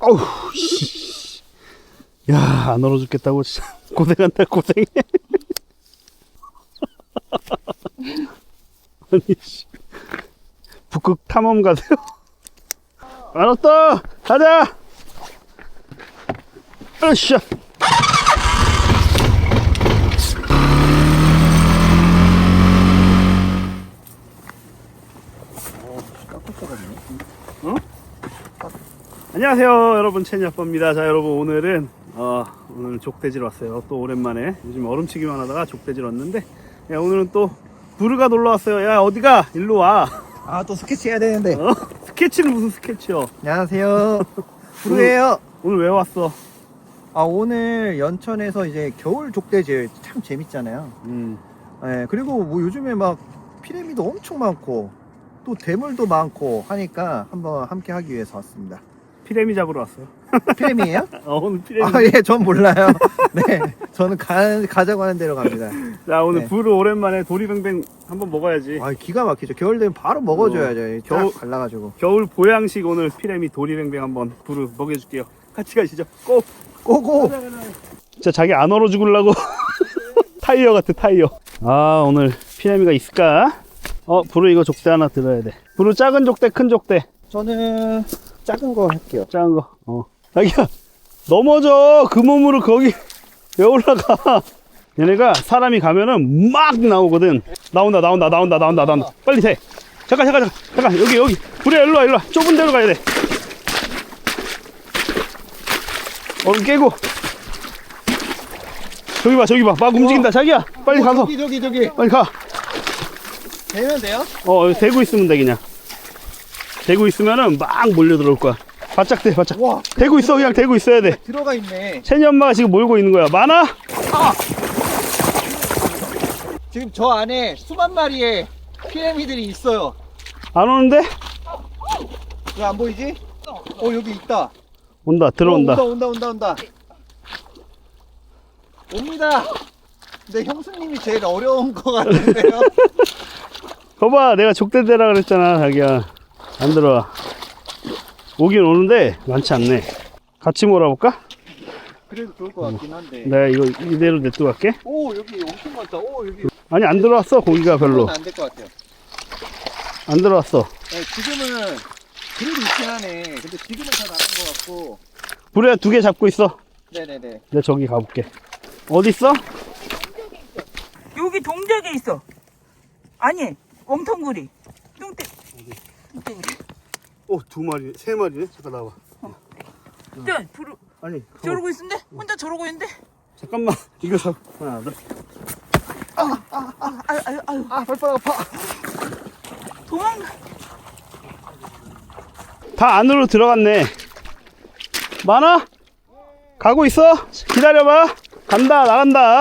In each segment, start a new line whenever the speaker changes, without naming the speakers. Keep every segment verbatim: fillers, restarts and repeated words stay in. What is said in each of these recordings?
어우, 씨. 야, 안 얼어 죽겠다고, 진짜. 고생한다, 고생해. 아니, 씨. 북극 탐험 가세요? 알았다! 가자! 으쌰! 어? 안녕하세요, 여러분. 채니 아빠입니다. 자, 여러분, 오늘은 어, 오늘 족대질 왔어요. 또 오랜만에. 요즘 얼음치기만 하다가 족대질 왔는데, 야, 오늘은 또 부르가 놀러 왔어요. 야, 어디가? 일로 와.
아, 또 스케치 해야 되는데.
어? 스케치는 무슨 스케치요?
안녕하세요. 부르예요.
오늘 왜 왔어?
아, 오늘 연천에서 이제 겨울 족대질 참 재밌잖아요.
음.
예, 그리고 뭐 요즘에 막 피라미드 엄청 많고 또 대물도 많고 하니까 한번 함께 하기 위해서 왔습니다.
피레미 잡으러 왔어요.
피라미예요?
어, 오늘 피레미.
아, 예, 전 몰라요. 네, 저는 가, 가자고 하는 대로 갑니다.
자, 오늘
네.
부르 오랜만에 도리뱅뱅 한번 먹어야지.
아, 기가 막히죠. 겨울 되면 바로 먹어줘야죠.
겨울-
겨울 갈라가지고.
겨울 보양식 오늘 피레미 도리뱅뱅 한번 부르 먹여줄게요. 같이 가시죠. 고!
고고.
진짜 자기 안 얼어 죽으려고 타이어 같아, 타이어. 아, 오늘 피레미가 있을까? 어, 부르 이거 족대 하나 들어야 돼. 부르 작은 족대, 큰 족대.
저는 작은 거 할게요.
작은 거. 어. 자기야, 넘어져. 그 몸으로 거기 왜 올라가? 얘네가 사람이 가면은 막 나오거든. 나온다, 나온다, 나온다, 나온다, 나온다. 빨리 돼. 잠깐, 잠깐, 잠깐, 잠깐. 여기, 여기. 부르야, 일로 와, 일로 와. 좁은 데로 가야 돼. 얼음 깨고. 저기 봐, 저기 봐. 막 움직인다. 자기야, 빨리 가서.
저기, 저기, 저기.
빨리 가.
되면 돼요?
어, 여기 대고 있으면 돼, 그냥. 대고 있으면은 막 몰려 들어올 거야. 바짝 대, 바짝.
와.
대고 있어, 그냥 대고 있어야 돼.
들어가 있네.
채니 엄마가 지금 몰고 있는 거야. 많아?
지금 저 안에 수만 마리의 피라미들이 있어요.
안 오는데?
왜 안 보이지? 어, 여기 있다.
온다, 들어온다.
어, 온다, 온다, 온다, 온다. 옵니다. 근데 형수님이 제일 어려운 것 같은데요.
거봐, 내가 족대대라 그랬잖아, 자기야. 안 들어와. 오긴 오는데 많지 않네. 같이 몰아볼까?
그래도 좋을 것 같긴 한데.
내가 이거 이대로 냅두고 갈게.
오, 여기 엄청 많다. 오, 여기.
아니, 안 들어왔어, 고기가 별로.
안될 것 같아요.
안 들어왔어.
네, 지금은 그래도 있긴 하네. 근데 지금은 다 나간 것 같고.
불에 두 개 잡고 있어.
네네네.
내가 저기 가볼게. 어디 있어?
여기 동작에 있어. 아니, 웜텅구리. 뚱땡. 뚱땡구리.
오, 두 마리, 세 마리네. 잠깐 나와.
네, 부르.
아니,
저러고 있는데? 혼자 저러고 있는데?
잠깐만. 이거 잡. 하나, 둘.
아유, 아유, 아유.
아, 발바닥 아파.
도망가.
다 안으로 들어갔네. 많아? 가고 있어? 기다려봐. 간다, 나간다.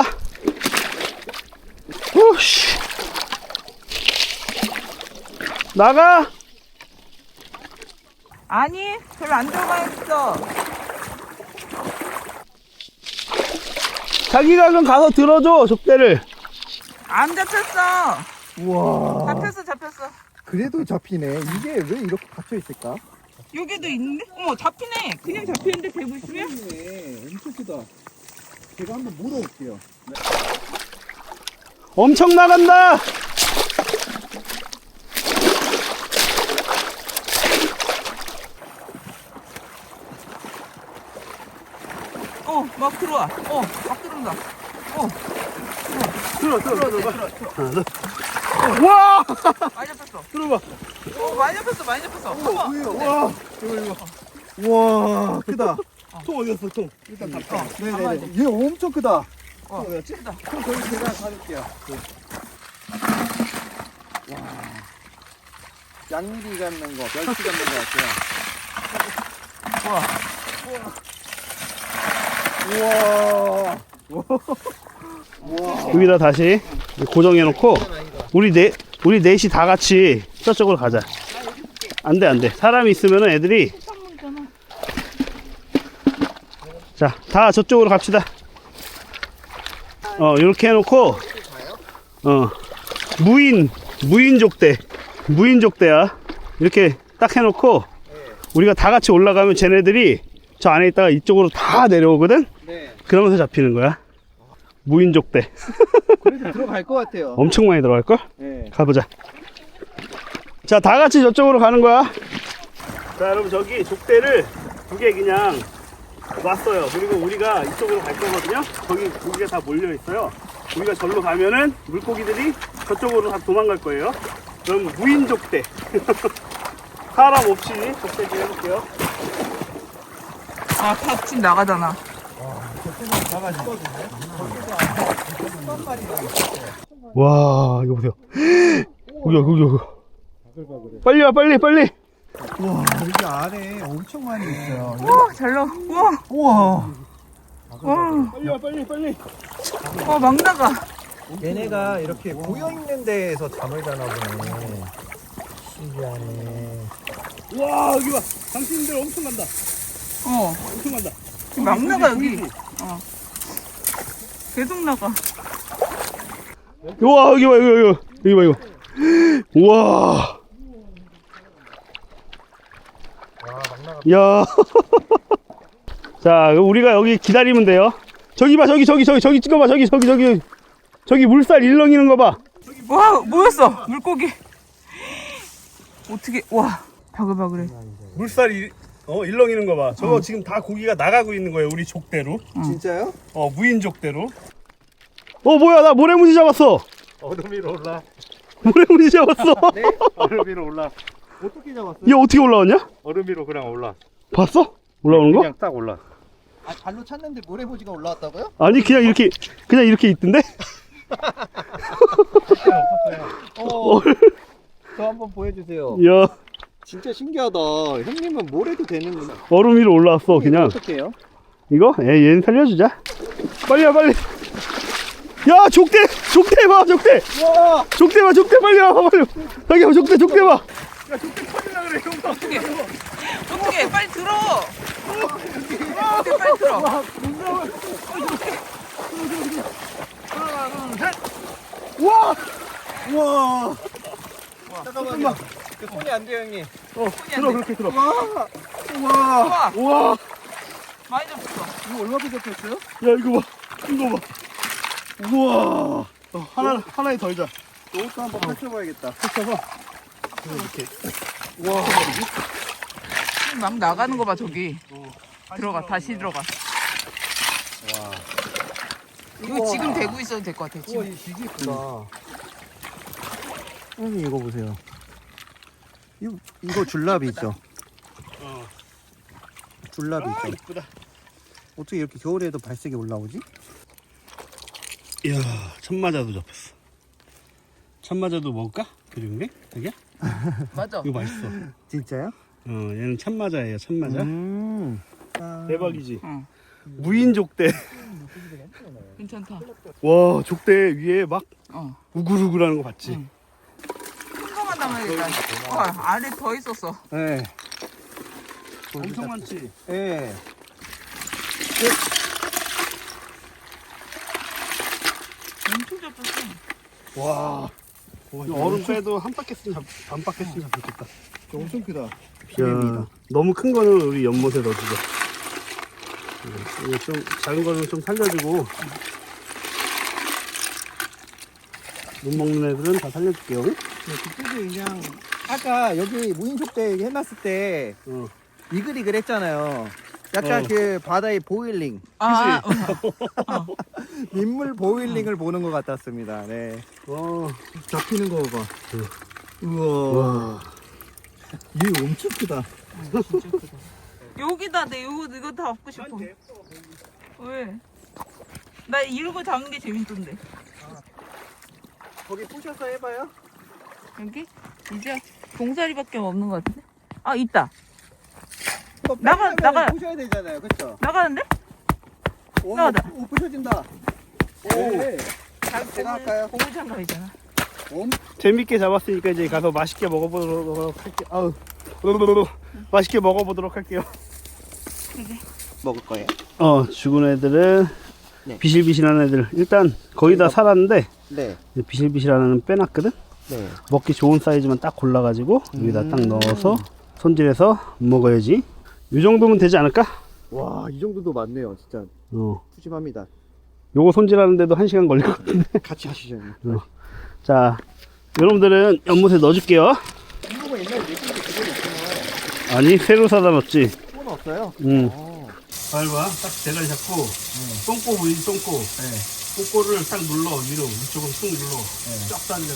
후씨. 나가?
아니, 별로 안 들어가 있어.
자기가 그럼 가서 들어줘, 족대를.
안 잡혔어.
우와.
잡혔어, 잡혔어.
그래도 잡히네. 이게 왜 이렇게 갇혀 있을까?
여기도 있는데? 어머, 잡히네. 그냥 잡히는데 대고 있으면?
네, 엄청 크다. 제가 한번 물어볼게요.
엄청 나간다.
어, 막 들어와. 어, 막 들어온다. 어,
들어, 들어, 들어, 들어. 하나, 둘. 와!
많이 잡혔어.
들어봐.
어, 많이 잡혔어, 많이 잡혔어. 어머.
와, 이거 이거. 우와, 크다.
통 어디 갔어, 통?
일단
담가.
어, 네네네. 얘 엄청 크다.
어,
어디였지?
크다.
그럼 저기 제가 가줄게요. 네. 와, 양미리 갖는 거, 멸치 갖는 거 같아요. 우와. 우와.
여기다 다시 고정해놓고 우리 네 우리 넷이 다 같이 저쪽으로 가자. 안돼 안돼. 사람이 있으면은 애들이 자 다 저쪽으로 갑시다. 어 이렇게 해놓고 어 무인 무인족대 무인족대야. 이렇게 딱 해놓고 우리가 다 같이 올라가면 쟤네들이 저 안에 있다가 이쪽으로 다 내려오거든.
네.
그러면서 잡히는 거야. 무인족대.
그래도 들어갈 것 같아요.
엄청 많이 들어갈걸?
네.
가보자. 자, 다 같이 저쪽으로 가는 거야. 자, 여러분, 저기 족대를 두 개 그냥 놨어요. 그리고 우리가 이쪽으로 갈 거거든요. 거기 고기가 다 몰려 있어요. 우리가 절로 가면은 물고기들이 저쪽으로 다 도망갈 거예요. 그럼 무인 족대. 사람 없이 족대 좀 해볼게요.
아, 다 지금 나가잖아.
와, 이거 보세요. 여기, 여기, 여기. 빨리 와, 빨리, 빨리.
우와, 여기 안에 엄청 많이 있어요.
우와, 잘 나와. 우와,
우와.
와,
빨리 와, 빨리, 빨리.
와, 막 나가.
얘네가 이렇게 모여 있는 데에서 잠을 자나 보네. 신기하네.
와, 여기 봐. 당신들 엄청 간다.
어,
엄청 간다.
막 나가, 여기.
보이지?
어. 계속 나가.
와, 여기 봐, 여기, 여기, 여기 봐, 이거. 우와. 야. 자, 우리가 여기 기다리면 돼요. 저기 봐, 저기, 저기, 저기, 저기 찍어봐, 저기, 저기, 저기. 저기 물살 일렁이는 거 봐.
와, 뭐였어? 물고기. 어떻게, 와, 바글바글해.
물살 일, 어, 일렁이는 거 봐. 저거 지금 다 고기가 나가고 있는 거예요, 우리 족대로.
진짜요?
어, 무인 족대로. 어, 뭐야, 나 모래무지 잡았어.
얼음 위로 올라.
모래무지 잡았어.
네?
얼음 위로 올라.
어떻게 잡았어요?
얘 어떻게 올라왔냐?
얼음 위로 그냥 올라.
봤어? 올라오는 거?
그냥 딱 올라.
아, 발로 찼는데 모래보지가 올라왔다고요?
아니, 그냥 이렇게, 그냥 이렇게 있던데?
어. 저 한번 보여주세요.
야,
진짜 신기하다. 형님은 모래도 되는구나.
얼음 위로 올라왔어, 그냥.
어떻게 해요?
이거? 에, 얘는 살려주자. 빨리 와, 빨리. 야, 족대! 족대 봐, 족대!
와!
족대 봐, 족대 빨리 와, 빨리. 자기야, 족대, 족대 봐.
어떻게, 어떻게, 빨리 들어. 어떻게, 빨리 들어.
와!
우와! 잠깐만요. 그 손이 안 돼요, 형님.
어, 들어, 그렇게 들어.
와! 우와!
우와,
우와!
많이 잡혔어.
이거 얼마나 잡혔어요?
야, 이거 봐. 이거 봐. 우와! 어, 하나, 하나에 더 이자.
이것도 한번 펼쳐봐야겠다.
펼쳐서. 이렇게.
와!
막 나가는 거 봐, 저기. 들어가, 다시 들어가. 이거 지금 대고 있어도 될 것 같아,
우와,
지금.
이 되게 예쁘다. 형님, 이거 보세요. 이거, 이거 줄라비 있죠?
어.
줄라비
아,
있죠?
이쁘다.
어떻게 이렇게 겨울에도 발색이 올라오지?
이야, 참마자도 잡혔어. 참마자도 먹을까? 그림이? 되게?
맞아.
이거 맛있어.
진짜요?
어, 얘는 참마자예요, 참마자.
음. 아.
대박이지.
응,
무인 족대.
괜찮다.
와, 족대 위에 막
어.
우글우글하는 거 봤지?
응. 큰 거만 담아야겠다. 와, 안에 더 있었어.
네.
엄청 많지?
네.
엄청 잡혔어.
와. 얼음 빼도 한 바퀴씩 잡, 반 바퀴씩 잡혔겠다.
엄청 크다.
야,
비빔이다.
너무 큰 거는 우리 연못에 넣어주자. 이거 좀 작은 거는 좀 살려주고 못 먹는 애들은 다 살려줄게요.
그때도 그냥 아까 여기 무인족대 해놨을 때
어.
이글이글 했잖아요. 약간
어.
그 바다의 보일링,
아,
민물 보일링을 보는 것 같았습니다. 네.
어.
잡히는 거 봐. 우와.
와.
얘 엄청 크다.
진짜 크다. 여기다, 내 이거, 이거 다 업고 싶어. 왜? 나 이런 거 잡는 게 재밌던데.
거기 부셔서 해봐요.
여기? 이제 봉사리밖에 없는 것 같은데? 아, 있다.
그거
나가,
빼려면
나가.
부셔야 되잖아요, 그렇죠?
나가는데?
오,
나가다.
오, 부셔진다. 오, 제가 할까요?
고무장갑이잖아.
엄,
재밌게 잡았으니까 이제 가서 맛있게 먹어보도록 할게요. 아우. 으르르르. 맛있게 먹어보도록 할게요.
먹을 거예요.
어, 죽은 애들은
네.
비실비실한 애들. 일단 거의 다 살았는데
네,
이제 비실비실한 애는 빼놨거든.
네.
먹기 좋은 사이즈만 딱 골라가지고 여기다 딱
음.
넣어서 손질해서 먹어야지. 이 정도면 되지 않을까?
와, 이 정도도 많네요. 진짜
어.
푸짐합니다.
요거 손질하는데도 한 시간 걸릴 것 같은데.
같이 하시죠.
어. 자, 여러분들은 연못에 넣어줄게요.
이거가 옛날에 내건 게 그건 없구나.
아니, 새로 사다 놨지.
그건 없어요?
응.
어.
밟아, 딱 대가리 잡고, 똥꼬 보이지, 똥꼬. 똥꼬를 딱 눌러, 위로, 위쪽으로 쑥 눌러. 쫙 당겨놓고.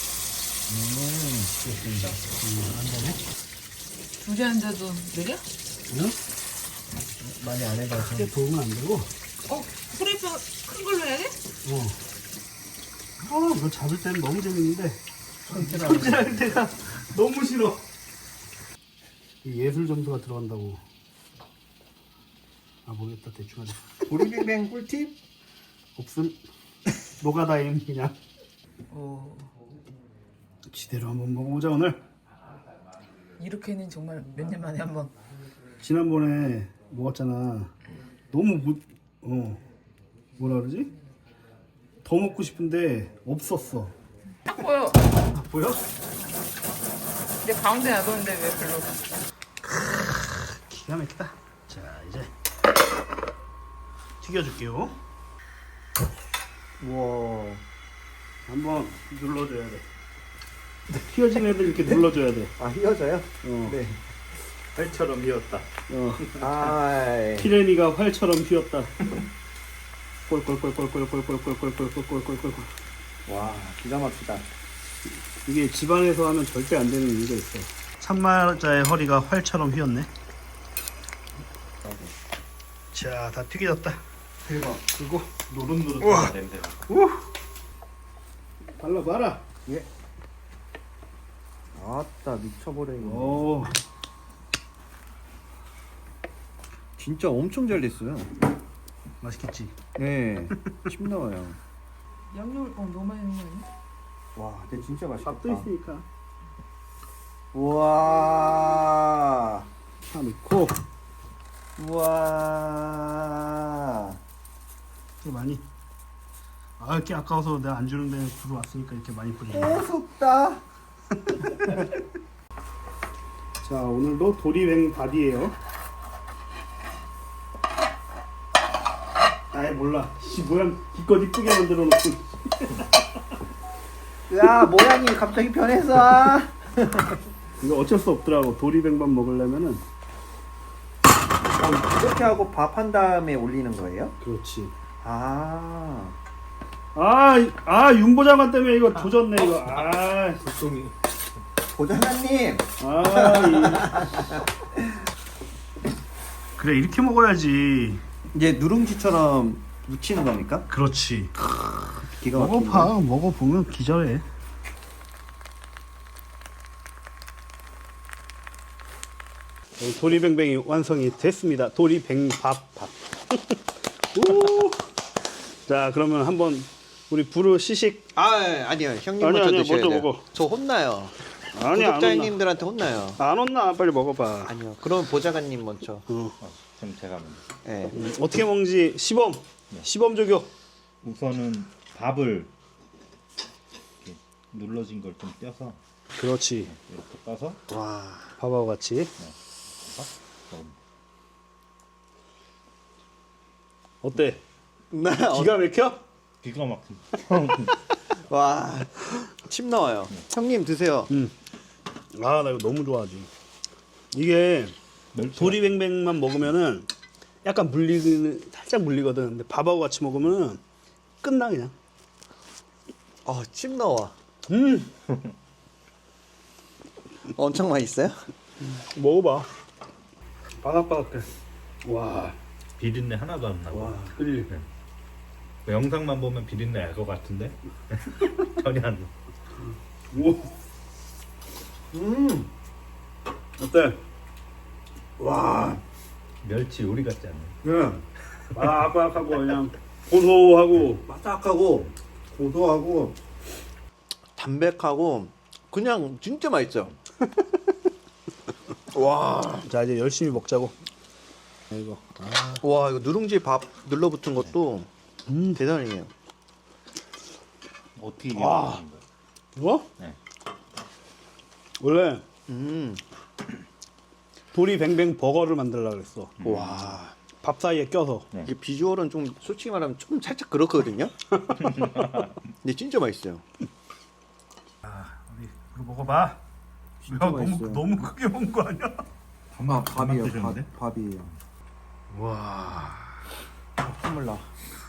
좋습니다. 한 번에.
두개 앉아도 느려?
응?
많이 안 해봐서.
크게 도우면 안 되고.
어? 프레이프 큰 걸로 해야 돼?
어. 아, 이거 잡을 때는 너무 재밌는데. 손질할 때가 너무 싫어. 이 예술 점수가 들어간다고. 아, 모르겠다. 대충 하자.
보리뱅뱅 꿀팁?
없음. 노가다임, 그냥.
오.
지대로 한번 먹어보자, 오늘.
이렇게는 정말 몇 년 만에 한번.
지난번에 먹었잖아. 너무 못, 어, 뭐라 그러지? 더 먹고 싶은데 없었어.
딱 보여.
아, 보여?
내 가운데 놔뒀는데 왜 별로.
기가 막히다. 자, 이제 튀겨줄게요.
우와.
한번 눌러줘야 돼. 휘어진 애들 이렇게 눌러줘야 돼.
아, 휘어져요?
어.
네.
활처럼 휘었다. 어.
아,
피레미가 활처럼 휘었다. 꼴꼴꼴꼴꼴꼴꼴꼴꼴꼴꼴꼴꼴꼴꼴.
와, 기가 막히다.
이게 집안에서 하면 절대 안 되는 이유가 있어. 참마자의 허리가 활처럼 휘었네. 자, 다 튀겨졌다.
대박.
그리고 노릇노릇.
우와. 냄새가.
우! 발라봐라.
예. 아따, 미쳐버리네.
오.
진짜 엄청 잘 됐어요.
맛있겠지?
네. 침 나와요.
양념을 어 너무 많이 넣는 거 아니야?
와, 근데 진짜 맛있겠다.
밥도 있으니까.
우와.
다 넣고.
우와.
이렇게 많이. 아, 이렇게 아까워서 내가 안 주는데 들어왔으니까 이렇게 많이 뿌리네.
고소다.
자, 오늘도 도리뱅 바디예요. 아예 몰라. 씨, 모양 기껏 이쁘게 만들어 놓고.
야, 모양이 갑자기 변했어.
이거 어쩔 수 없더라고. 도리뱅만 먹으려면은.
어, 이렇게 하고 밥 한 다음에 올리는 거예요?
그렇지.
아.
아, 이- 아 윤보장관 때문에 이거 조졌네 이거. 아,
보통이.
보장관님.
아. 이... 그래 이렇게 먹어야지.
이제 누룽지처럼 묻히는 겁니까?
그렇지.
기가 막히네.
먹어봐. 먹어보면 기절해. 네, 도리뱅뱅이 완성이 됐습니다. 도리뱅밥 밥. 오. 자, 그러면 한번 우리 부르 시식.
아, 아니요. 형님
아니,
먼저
아니요,
드셔야
먼저
돼요.
먹어.
저 혼나요.
아니 안 온나.
구독자님들한테 혼나요.
안 온나 빨리 먹어봐.
아니요. 그럼 보좌관님 먼저.
어.
어, 그럼 제가 먼저.
예.
음, 어떻게 먹는지 시범. 시범 조교.
우선은 밥을 이렇게 눌러진 걸 좀 떼서
그렇지.
이렇게 떠서
와, 밥하고 같이.
먹으면
어때?
나
기가 막혀?
기가 막힌.
와. 침 나와요. 형님 드세요.
응. 아, 나 이거 너무 좋아하지. 이게
멸치.
도리뱅뱅만 먹으면은 약간 물리는 살짝 물리거든. 근데 밥하고 같이 먹으면 끝나 그냥.
어, 침 나와.
음,
엄청 맛있어요?
먹어봐. 바삭바삭해. 와,
비린내 하나도 안 나고.
와, 그리.
그 영상만 보면 비린내 알 것 같은데 전혀 안 나.
오,
음.
어때? 와,
멸치 요리 같지 않나요?
그냥 바삭바삭하고 그냥 고소하고.
바삭하고 고소하고 담백하고 그냥 진짜 맛있어요. 와.
자, 이제 열심히 먹자고. 이거.
와, 이거 누룽지 밥 눌러붙은 것도
음.
대단해요.
어떻게 이게
와.
맛있는 거야?
이거?
네.
원래
음.
음.
도리뱅뱅 버거를 만들려고 그랬어.
와.
밥 사이에 껴서.
이게 비주얼은 좀 솔직히 말하면 좀 살짝 그렇거든요. 근데 진짜 맛있어요.
우리 이거 먹어봐.
진짜 맛있어요.
너무 크게 먹은 거 아니야?
밥, 밥이에요.
드셨는데?
밥, 밥이에요.
와.
콧물 나.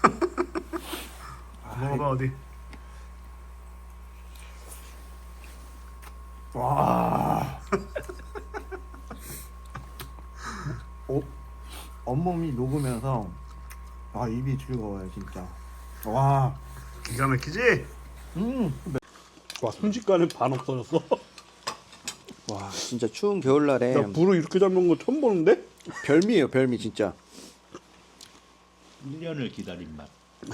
먹어봐 어디.
와. 어, 온몸이 녹으면서 아 입이 즐거워요 진짜. 와.
기가 막히지?
음.
와 순식간에 반 없어졌어.
와 진짜 추운 겨울날에
야 불을 이렇게 잘 먹는 거 처음 보는데?
별미예요 별미 진짜.
일 년을 기다린 맛.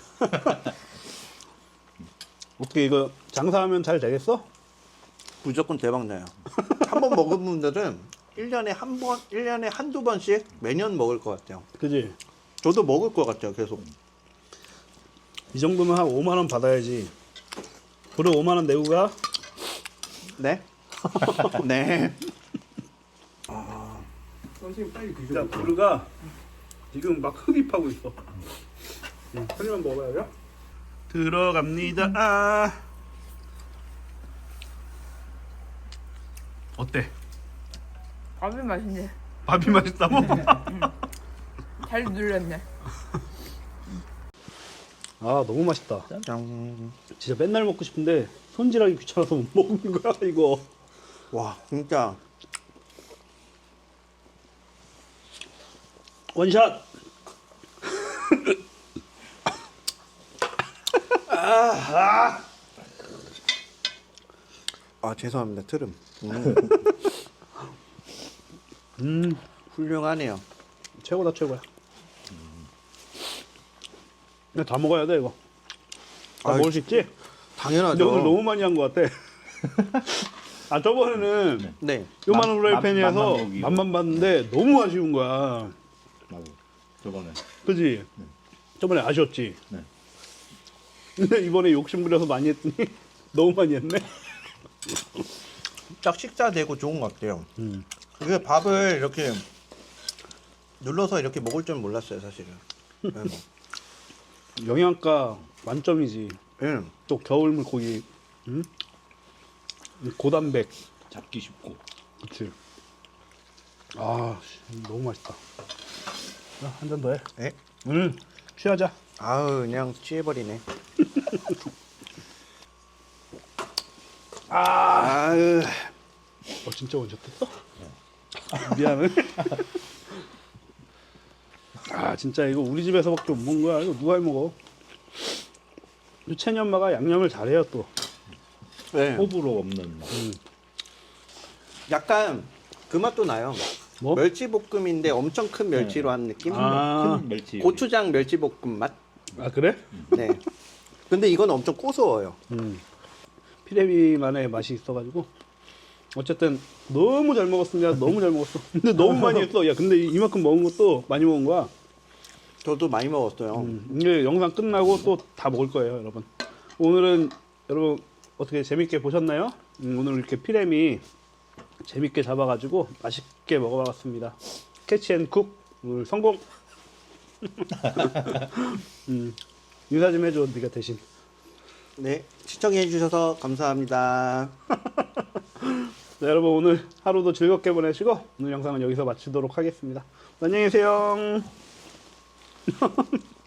어떻게 이거 장사하면 잘 되겠어?
무조건 대박 나요. 한 번 먹은 분들은 일 년에 한 번, 일 년에 한두 번씩 매년 먹을 것 같아요.
그지?
저도 먹을 것 같아요 계속.
이 정도면 한 오만 원 받아야지. 불을 오만 원 내고 가?
네? 네.
야 부르가 지금 막 흡입하고 있어. 응, 한 입만 먹어봐요. 들어갑니다. 아. 어때?
밥이 맛있네.
밥이 맛있다고?
잘 눌렸네.
아 너무 맛있다.
짠.
진짜 맨날 먹고 싶은데 손질하기 귀찮아서 못 먹는 거야 이거.
와 진짜
원샷.
아 죄송합니다 트름. 음,
음
훌륭하네요.
최고다 최고야. 근데 다 먹어야 돼 이거. 다
아이,
먹을 수 있지? 근데
당연하죠.
오늘 너무 많이 한 것 같아. 아 저번에는
네.
요만한
맛-
후라이팬이어서
맛- 맛만 보기로.
맛만 봤는데 너무 아쉬운 거야.
맞아. 저번에.
그지? 저번에 아쉬웠지?
네.
근데 이번에 욕심 부려서 많이 했더니 너무 많이 했네.
딱 식사되고 좋은 것 같아요.
음.
그게 밥을 이렇게 눌러서 이렇게 먹을 줄 몰랐어요 사실은. 네, 뭐.
영양가 만점이지.
예.
또 겨울 물고기. 음? 고단백.
잡기 쉽고.
그치. 아, 씨, 너무 맛있다. 한 잔 더 해.
예?
응, 취하자.
아우 그냥 취해버리네.
아,
아유.
어, 진짜 원샷했어? 미안해. 아, 진짜 이거 우리 집에서밖에 못 먹는 거야. 이거 누가 해 먹어? 채니 엄마가 양념을 잘해요 또.
네.
호불호 없는 맛.
약간 그 맛도 나요.
뭐?
멸치볶음인데 엄청 큰 멸치로 한 느낌?
아.
큰 멸치.
고추장 멸치볶음 맛?
아 그래?
네. 근데 이건 엄청 고소해요.
음. 피레미만의 맛이 있어가지고 어쨌든 너무 잘 먹었습니다. 너무 잘 먹었어. 근데 너무 많이 했어. 야 근데 이만큼 먹은 것도 많이 먹은 거야.
저도 많이 먹었어요.
음, 이제 영상 끝나고 또 다 먹을 거예요, 여러분. 오늘은 여러분 어떻게 재밌게 보셨나요? 음, 오늘 이렇게 피레미 재밌게 잡아가지고 맛있게 먹어봤습니다. 캐치앤쿡 오늘 성공. 음, 인사 좀 해줘, 네가 대신.
네. 시청해 주셔서 감사합니다.
네, 여러분 오늘 하루도 즐겁게 보내시고 오늘 영상은 여기서 마치도록 하겠습니다. 안녕히 계세요.